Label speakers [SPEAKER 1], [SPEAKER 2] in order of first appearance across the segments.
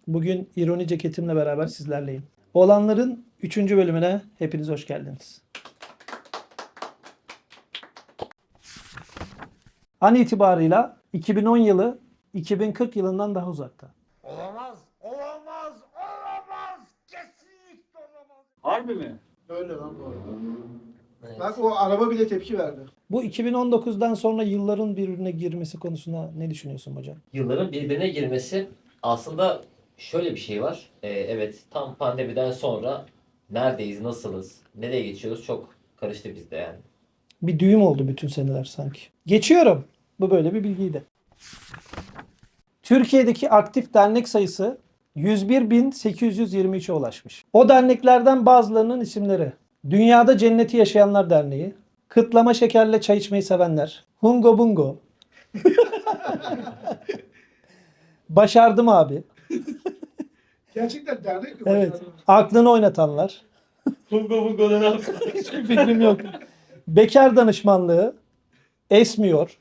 [SPEAKER 1] Bugün ironi ceketimle beraber sizlerleyim. Olanların 3. bölümüne hepiniz hoş geldiniz. An itibarıyla 2010 yılı 2040 yılından daha uzakta.
[SPEAKER 2] Olamaz, olamaz, olamaz, kesinlikle olamaz.
[SPEAKER 3] Harbi mi?
[SPEAKER 4] Öyle lan bu arada.
[SPEAKER 5] Evet.
[SPEAKER 4] Bak o araba bile tepki verdi.
[SPEAKER 1] Bu 2019'dan sonra yılların birbirine girmesi konusunda ne düşünüyorsun hocam?
[SPEAKER 5] Yılların birbirine girmesi aslında şöyle bir şey var. Evet, tam pandemiden sonra neredeyiz, nasılız, nereye geçiyoruz çok karıştı bizde yani.
[SPEAKER 1] Bir düğüm oldu bütün seneler sanki. Geçiyorum. Bu böyle bir bilgiydi. Türkiye'deki aktif dernek sayısı 101.823'e ulaşmış. O derneklerden bazılarının isimleri: Dünyada Cenneti Yaşayanlar Derneği, Kıtlama Şekerle Çay İçmeyi Sevenler, Hungo Bungo, Başardım Abi,
[SPEAKER 4] Gerçekten dernek mi?
[SPEAKER 1] evet,
[SPEAKER 4] başardı?
[SPEAKER 1] Aklını Oynatanlar,
[SPEAKER 5] Bungo ne yapıyor?
[SPEAKER 1] hiçbir fikrim yok, Bekar Danışmanlığı, Esmiyor,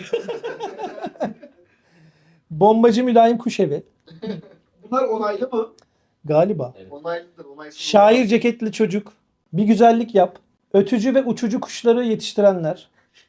[SPEAKER 1] Bombacı Mülayim Kuşevi,
[SPEAKER 4] Bunlar onaylı mı?
[SPEAKER 1] galiba,
[SPEAKER 4] Onaylıdır. Onaysız.
[SPEAKER 1] Şair Ceketli Çocuk, Bir Güzellik Yap, Ötücü ve Uçucu Kuşları Yetiştirenler,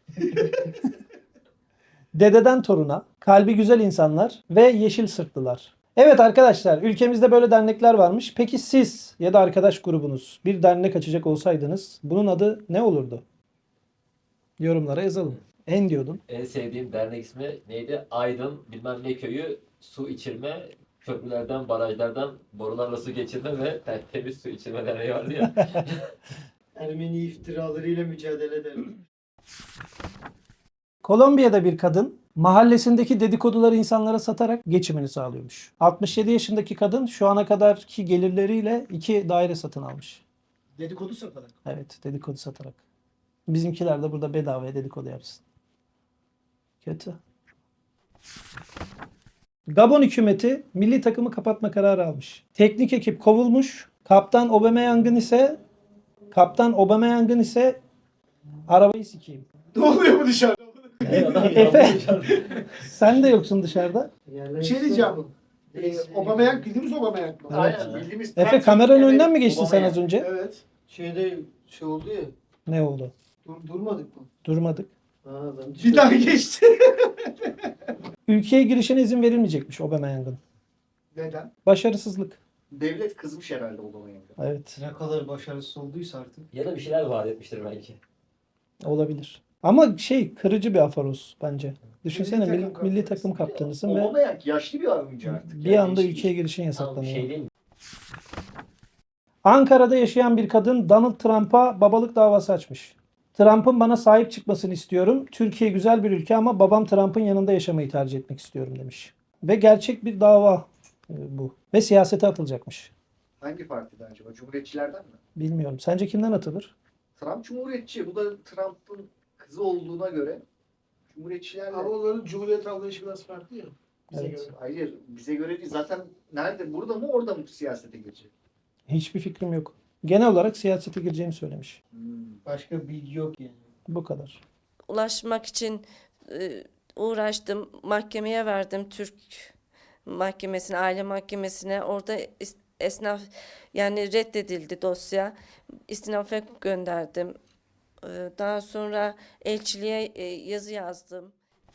[SPEAKER 1] Dededen Toruna, Kalbi Güzel İnsanlar ve Yeşil Sırtlılar. Evet arkadaşlar, ülkemizde böyle dernekler varmış. Peki siz ya da arkadaş grubunuz bir dernek açacak olsaydınız bunun adı ne olurdu? Yorumlara yazalım. En diyordun.
[SPEAKER 5] En sevdiğim dernek ismi neydi? Aydın bilmem ne köyü su içirme, köprülerden, barajlardan borularla su geçirme ve temiz su içirme derneği vardı ya.
[SPEAKER 3] Ermeni iftiralarıyla mücadele edelim.
[SPEAKER 1] Kolombiya'da bir kadın mahallesindeki dedikoduları insanlara satarak geçimini sağlıyormuş. 67 yaşındaki kadın şu ana kadarki gelirleriyle 2 daire satın almış.
[SPEAKER 4] Dedikodu satarak.
[SPEAKER 1] Evet, dedikodu satarak. Bizimkiler de burada bedavaya dedikodu yapsın. Kötü. Gabon hükümeti milli takımı kapatma kararı almış. Teknik ekip kovulmuş. Kaptan Aubameyang'ın ise arabayı sikeyim.
[SPEAKER 4] Ne oluyor bu dışarıda?
[SPEAKER 1] Efe, sen de yoksun dışarıda.
[SPEAKER 4] Bir şey diyeceğim. Aubameyang bildiğimiz Aubameyang mı?
[SPEAKER 3] Aynen bildiğimiz.
[SPEAKER 1] Efe, kameranın önünden mi geçtin sen az önce?
[SPEAKER 4] Evet.
[SPEAKER 3] Şeyde şey oldu ya.
[SPEAKER 1] Ne oldu?
[SPEAKER 3] Durmadık mı?
[SPEAKER 1] Durmadık.
[SPEAKER 3] Ben
[SPEAKER 4] Bir daha geçti.
[SPEAKER 1] Ülkeye girişine izin verilmeyecekmiş Aubameyang'ın.
[SPEAKER 4] Neden?
[SPEAKER 1] Başarısızlık.
[SPEAKER 6] Devlet kızmış herhalde Aubameyang'a.
[SPEAKER 1] Evet,
[SPEAKER 3] Ne kadar başarısız olduysa artık.
[SPEAKER 5] Ya da bir şeyler vaat etmiştir belki.
[SPEAKER 1] olabilir. Ama kırıcı bir afaroz bence. Düşünsene
[SPEAKER 4] Milli takım
[SPEAKER 1] milli
[SPEAKER 4] kaptanısın.
[SPEAKER 1] takım kaptanısın ve
[SPEAKER 6] Aubameyang yaşlı bir oyuncu artık.
[SPEAKER 1] bir anda
[SPEAKER 6] Yani
[SPEAKER 1] ülkeye girişin
[SPEAKER 5] Tamam, bir
[SPEAKER 1] yasaklanıyor.
[SPEAKER 5] şey değil mi?
[SPEAKER 1] Ankara'da yaşayan bir kadın Donald Trump'a babalık davası açmış. Trump'ın bana sahip çıkmasını istiyorum. Türkiye güzel bir ülke ama babam Trump'ın yanında yaşamayı tercih etmek istiyorum demiş. Ve gerçek bir dava bu. Ve siyasete atılacakmış.
[SPEAKER 6] Hangi partiden acaba? Cumhuriyetçilerden mi?
[SPEAKER 1] Bilmiyorum. Sence kimden atılır?
[SPEAKER 6] Trump Cumhuriyetçi. Bu da Trump'ın kızı olduğuna göre Cumhuriyetçilerle...
[SPEAKER 4] Ama onların Cumhuriyet anlayışı biraz farklı ya. Bize
[SPEAKER 1] Evet.
[SPEAKER 4] göre.
[SPEAKER 6] Hayır, bize göre değil. Zaten nerede? Burada mı orada mı siyasete girecek?
[SPEAKER 1] Hiçbir fikrim yok. Genel olarak siyasete gireceğini söylemiş.
[SPEAKER 3] Başka bilgi yok yani.
[SPEAKER 1] Bu kadar.
[SPEAKER 7] Ulaşmak için uğraştım. Mahkemeye verdim, Türk mahkemesine, aile mahkemesine. Orada esnaf, yani reddedildi dosya. İstinafa gönderdim. Daha sonra elçiliğe yazı yazdım.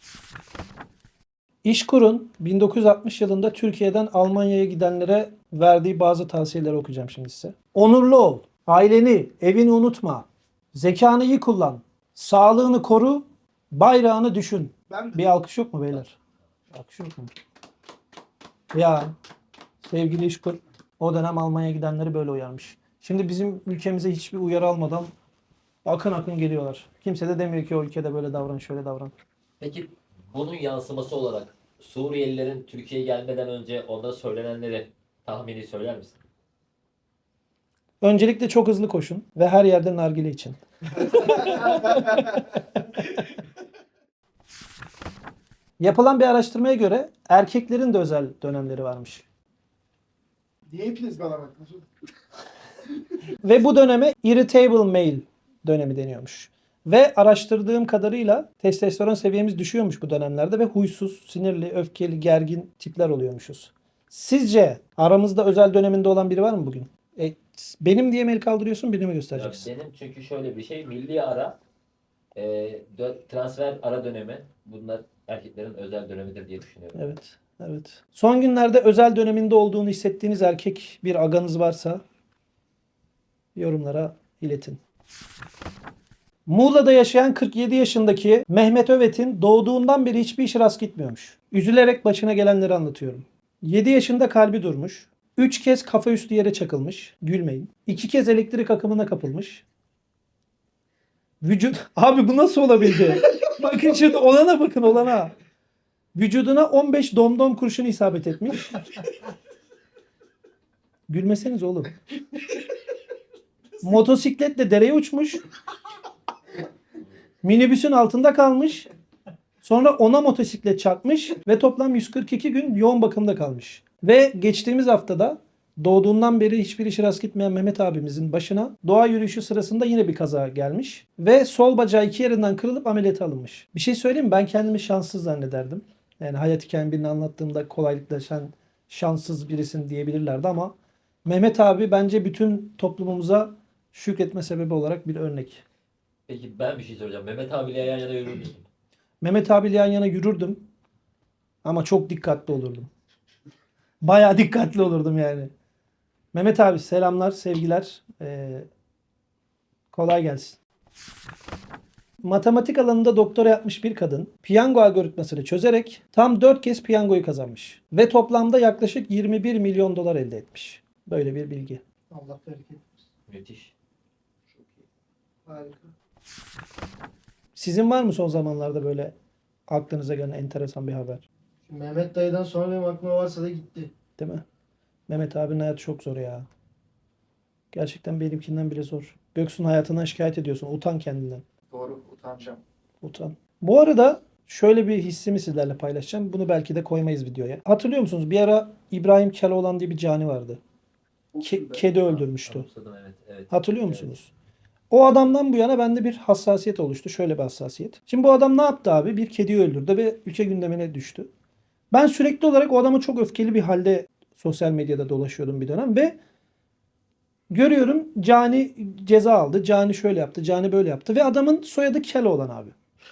[SPEAKER 1] İşkur'un 1960 yılında Türkiye'den Almanya'ya gidenlere verdiği bazı tavsiyeleri okuyacağım şimdi size. Onurlu ol, aileni, evini unutma, zekanı iyi kullan, sağlığını koru, bayrağını düşün.
[SPEAKER 4] Ben
[SPEAKER 1] Bir alkış yok mu beyler? Alkış yok mu? Ya sevgili İşkur o dönem Almanya'ya gidenleri böyle uyarmış. Şimdi bizim ülkemize hiçbir uyarı almadan akın akın geliyorlar. Kimse de demiyor ki o ülkede böyle davran, şöyle davran.
[SPEAKER 5] Peki bunun yansıması olarak Suriyelilerin Türkiye'ye gelmeden önce onda söylenenleri tahmini söyler misin?
[SPEAKER 1] Öncelikle çok hızlı koşun ve her yerde nargile için. Yapılan bir araştırmaya göre erkeklerin de özel dönemleri varmış.
[SPEAKER 4] niye hepiniz bana bakıyorsunuz?
[SPEAKER 1] Ve bu döneme irritable male dönemi deniyormuş. Ve araştırdığım kadarıyla testosteron seviyemiz düşüyormuş bu dönemlerde ve huysuz, sinirli, öfkeli, gergin tipler oluyormuşuz. Sizce aramızda özel döneminde olan biri var mı bugün? Benim diye mi el kaldırıyorsun, birini mi
[SPEAKER 5] Ya
[SPEAKER 1] göstereceksin?
[SPEAKER 5] benim çünkü şöyle bir şey, milli ara, transfer ara dönemi, bunlar erkeklerin özel dönemidir diye düşünüyorum.
[SPEAKER 1] Evet, evet. Son günlerde özel döneminde olduğunu hissettiğiniz erkek bir aganız varsa yorumlara iletin. Muğla'da yaşayan 47 yaşındaki Mehmet Övet'in doğduğundan beri hiçbir işi rast gitmiyormuş. Üzülerek başına gelenleri anlatıyorum. 7 yaşında kalbi durmuş. 3 kez kafa üstü yere çakılmış. Gülmeyin. 2 kez elektrik akımına kapılmış. Abi bu nasıl olabildi? Bakın şimdi olana bakın olana. Vücuduna 15 domdom kurşunu isabet etmiş. Gülmeseniz oğlum. Motosikletle dereye uçmuş. Minibüsün altında kalmış. Sonra ona motosiklet çarpmış ve toplam 142 gün yoğun bakımda kalmış. Ve geçtiğimiz haftada doğduğundan beri hiçbir işi rast gitmeyen Mehmet abimizin başına doğa yürüyüşü sırasında yine bir kaza gelmiş. Ve sol bacağı 2 yerinden kırılıp ameliyata alınmış. Bir şey söyleyeyim mi? Ben kendimi şanssız zannederdim. Yani hayat hikayemi birini anlattığımda kolaylıkla sen şanssız birisin diyebilirlerdi ama Mehmet abi bence bütün toplumumuza şükretme sebebi olarak bir örnek.
[SPEAKER 5] Peki ben bir şey soracağım. Mehmet abiyle yan yana yürür müsün?
[SPEAKER 1] Mehmet abiyle yan yana yürürdüm ama çok dikkatli olurdum. Bayağı dikkatli olurdum yani. Mehmet abi selamlar, sevgiler. Kolay gelsin. Matematik alanında doktora yapmış bir kadın piyango algoritmasını çözerek tam 4 kez piyangoyu kazanmış. Ve toplamda yaklaşık 21 milyon dolar elde etmiş. Böyle bir bilgi.
[SPEAKER 3] Allah bereket versin.
[SPEAKER 5] Müthiş.
[SPEAKER 3] Çok iyi. Harika.
[SPEAKER 1] Sizin var mı son zamanlarda böyle aklınıza gelen enteresan bir haber?
[SPEAKER 3] Şimdi Mehmet dayıdan sonra benim aklıma varsa da gitti.
[SPEAKER 1] Değil mi? Mehmet abinin hayatı çok zor ya. Gerçekten benimkinden bile zor. Göksu'nun hayatından şikayet ediyorsun. Utan kendinden.
[SPEAKER 6] Doğru, utanacağım.
[SPEAKER 1] Utan. Bu arada şöyle bir hissimi sizlerle paylaşacağım. Bunu belki de koymayız videoya. Hatırlıyor musunuz? Bir ara İbrahim Keloğlan diye bir cani vardı. Kedi öldürmüştü.
[SPEAKER 5] Anımsadım, evet. Evet.
[SPEAKER 1] Hatırlıyor
[SPEAKER 5] Evet.
[SPEAKER 1] musunuz? O adamdan bu yana bende bir hassasiyet oluştu. Şöyle bir hassasiyet. Şimdi bu adam ne yaptı abi? Bir kediyi öldürdü ve ülke gündemine düştü. Ben sürekli olarak o adama çok öfkeli bir halde sosyal medyada dolaşıyordum bir dönem ve görüyorum Cani ceza aldı. Cani şöyle yaptı. Cani böyle yaptı. Ve adamın soyadı Keloğlan abi.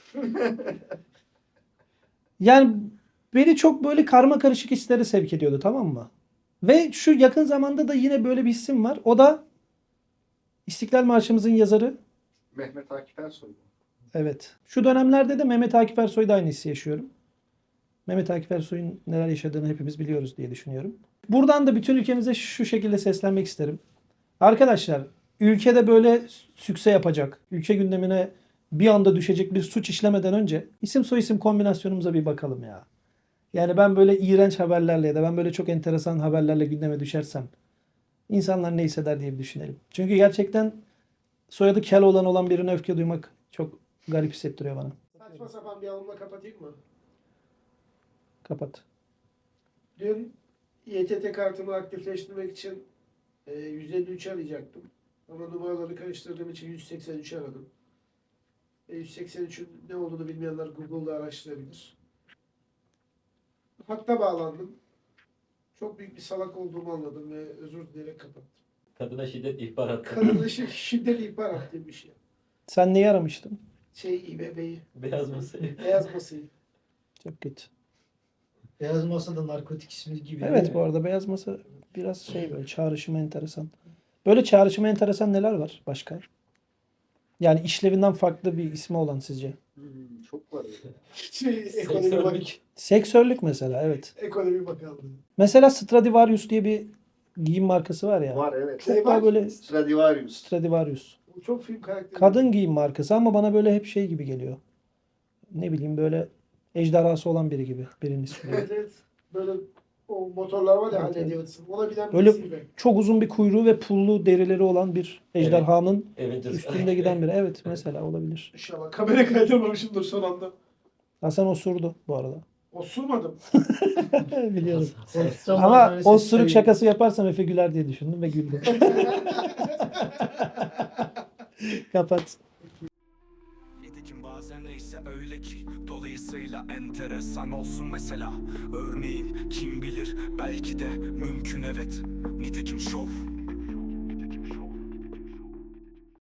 [SPEAKER 1] Yani beni çok böyle karma karışık hislere sevk ediyordu, tamam mı? Ve şu yakın zamanda da yine böyle bir isim var. O da İstiklal Marşımızın yazarı.
[SPEAKER 6] Mehmet Akif Ersoy.
[SPEAKER 1] Evet. Şu dönemlerde de Mehmet Akif Ersoy'da aynı hissi yaşıyorum. Mehmet Akif Ersoy'un neler yaşadığını hepimiz biliyoruz diye düşünüyorum. Buradan da bütün ülkemize şu şekilde seslenmek isterim. Arkadaşlar, ülkede böyle sükse yapacak, ülke gündemine bir anda düşecek bir suç işlemeden önce isim soyisim kombinasyonumuza bir bakalım ya. Yani ben böyle iğrenç haberlerle ya da ben böyle çok enteresan haberlerle gündeme düşersem insanlar ne hisseder diye bir düşünelim. Çünkü gerçekten soyadı Keloğlan olan birine öfke duymak çok garip hissettiriyor bana.
[SPEAKER 4] Saçma sapan bir alımla kapatayım mı?
[SPEAKER 1] Kapat.
[SPEAKER 4] Dün YTT kartımı aktifleştirmek için 153 arayacaktım. Ama numaraları karıştırdığım için 183 aradım. 183'ün ne olduğunu bilmeyenler Google'da araştırabilir. Hatta bağlandım. Çok büyük bir salak olduğumu anladım ve özür dileyerek kapattım.
[SPEAKER 5] Kadına şiddet ihbar attı.
[SPEAKER 4] Kadına şiddet ihbar attığım bir şey.
[SPEAKER 1] Sen neyi aramıştın?
[SPEAKER 4] İBB'yi,
[SPEAKER 5] Beyaz masayı.
[SPEAKER 4] beyaz masayı.
[SPEAKER 1] Çok kötü.
[SPEAKER 3] Beyaz Masa'da narkotik ismi gibi. değil
[SPEAKER 1] Evet,
[SPEAKER 3] mi?
[SPEAKER 1] bu arada Beyaz Masa biraz şey böyle çağrışımı enteresan. Böyle çağrışımı enteresan neler var başka? Yani işlevinden farklı bir ismi olan sizce?
[SPEAKER 6] Çok var öyle.
[SPEAKER 4] Ekonomi, bak,
[SPEAKER 1] Seksörlük mesela, evet.
[SPEAKER 4] ekonomi bakanlığı.
[SPEAKER 1] Mesela Stradivarius diye bir giyim markası var ya.
[SPEAKER 6] Var evet.
[SPEAKER 1] Çok daha böyle
[SPEAKER 6] Stradivarius.
[SPEAKER 1] Stradivarius.
[SPEAKER 4] Bu çok film karakteri.
[SPEAKER 1] Kadın giyim markası ama bana böyle hep şey gibi geliyor. Ne bileyim böyle ejderhası olan biri gibi. Birinin ismi.
[SPEAKER 4] Evet evet. Böyle o motorlar var ya
[SPEAKER 1] Evet,
[SPEAKER 4] Harley
[SPEAKER 1] evet.
[SPEAKER 4] Davidson. Ona binen
[SPEAKER 1] Böyle
[SPEAKER 4] birisi gibi.
[SPEAKER 1] çok uzun bir kuyruğu ve pullu derileri olan bir ejderhanın
[SPEAKER 5] Avengers.
[SPEAKER 1] üstünde giden biri. Evet, mesela olabilir.
[SPEAKER 4] İnşallah kamera kaydırmamışımdır son anda.
[SPEAKER 1] Hasan osurdu bu arada.
[SPEAKER 4] Osurmadım.
[SPEAKER 1] Biliyorum.
[SPEAKER 3] Korktum
[SPEAKER 1] Ama
[SPEAKER 3] böyle
[SPEAKER 1] o
[SPEAKER 3] ses
[SPEAKER 1] sürük
[SPEAKER 3] sayı-
[SPEAKER 1] şakası yaparsam Efe güler diye düşündüm ve güldüm. Kapat.
[SPEAKER 8] Nitekim bazen neyse öyle ki Dolayısıyla enteresan olsun mesela. Örneğin kim bilir, belki de mümkün, evet. Nitekim şov